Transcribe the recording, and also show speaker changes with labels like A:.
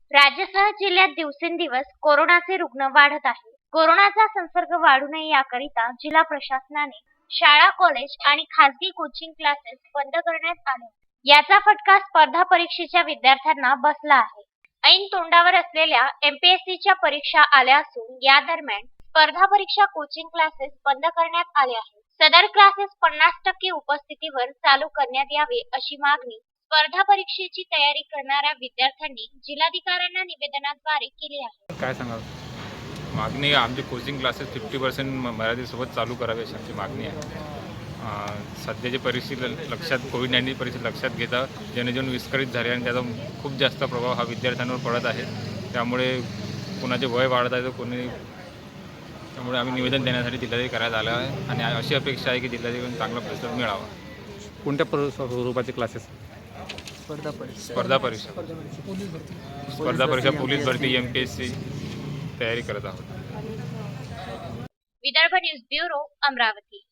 A: राज्यासह जिल्ह्यात दिवसेंदिवस कोरोनाचे रुग्ण वाढत आहे. कोरोनाचा संसर्ग वाढू नये याकरिता जिल्हा प्रशासनाने शाळा, कॉलेज आणि खासगी कोचिंग क्लासेस बंद करण्यात आले. याचा फटका स्पर्धा परीक्षेच्या विद्यार्थ्यांना बसला आहे. ऐन तोंडावर असलेल्या एमपीएससीच्या परीक्षा आल्या असून या दरम्यान स्पर्धा परीक्षा कोचिंग क्लासेस बंद करण्यात आले आहेत. सदर क्लासेस 50% उपस्थितीवर चालू करण्यात यावे अशी मागणी स्पर्धा परीक्षेची तयारी करणाऱ्या विद्यार्थ्यांनी जिल्हाधिकाऱ्यांना निवेदनाद्वारे केली आहे.
B: काय सांगाल? मागणी आमची कोचिंग क्लासेस 50% मर्यादेसोबत चालू करावे अशी आमची मागणी आहे. सध्याची परिस्थिती लक्षात कोविड-19 परिस्थिती लक्षात घेता जनजीवन विस्कळीत झाले आणि त्याचा खूप जास्त प्रभाव हा विद्यार्थ्यांवर पडत आहे. त्यामुळे कुणाचे वय वाढत आहे तर कोणी त्यामुळे आम्ही निवेदन देण्यासाठी जिल्हाधिकारी करायला आलो आहे आणि अशी अपेक्षा आहे की जिल्हाधिकाऱ्यांना चांगला प्रतिसाद मिळावा.
C: कोणत्या स्वरूपाचे क्लासेस?
B: स्पर्धा परीक्षा पोलीस भरती एमपीएससी तयारी करत आहोत.
A: Vidarbha news bureau, Amravati.